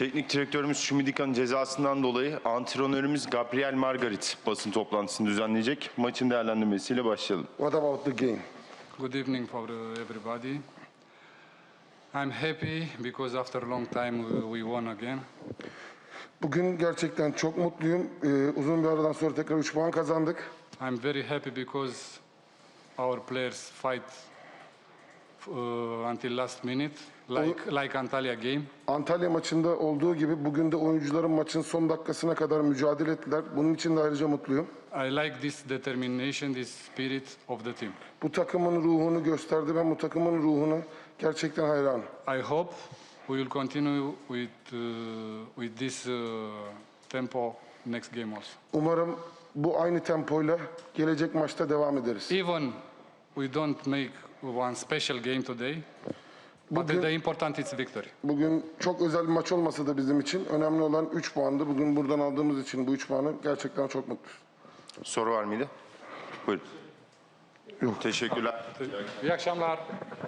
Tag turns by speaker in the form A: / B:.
A: Teknik direktörümüz Şumidika'nın cezasından dolayı antrenörümüz Gabriel Margarit basın toplantısını düzenleyecek. Maçın değerlendirmesiyle başlayalım.
B: What about the game?
C: Good evening for everybody. I'm happy because after a long time we won again.
B: Bugün gerçekten çok mutluyum. Uzun bir aradan sonra tekrar 3 puan kazandık.
C: I'm very happy because our players fight until last minute, like Antalya game.
B: Antalya maçında olduğu gibi bugün de oyuncuların maçın son dakikasına kadar mücadele ettiler. Bunun için de ayrıca mutluyum.
C: I like this determination, this spirit of the team.
B: Bu takımın ruhunu gösterdi. Ben bu takımın ruhuna gerçekten hayranım.
C: I hope we will continue with this tempo next game also.
B: Umarım bu aynı tempoyla gelecek maçta devam ederiz.
C: Even we don't make one special game today, but the important is victory.
B: Bugün çok özel bir maç olmasa da bizim için önemli olan 3 puandı. Bugün buradan aldığımız için bu 3 puanı gerçekten çok mutluyuz.
A: Soru var mıydı? Buyurun.
B: Yok.
A: Teşekkürler.
C: İyi akşamlar.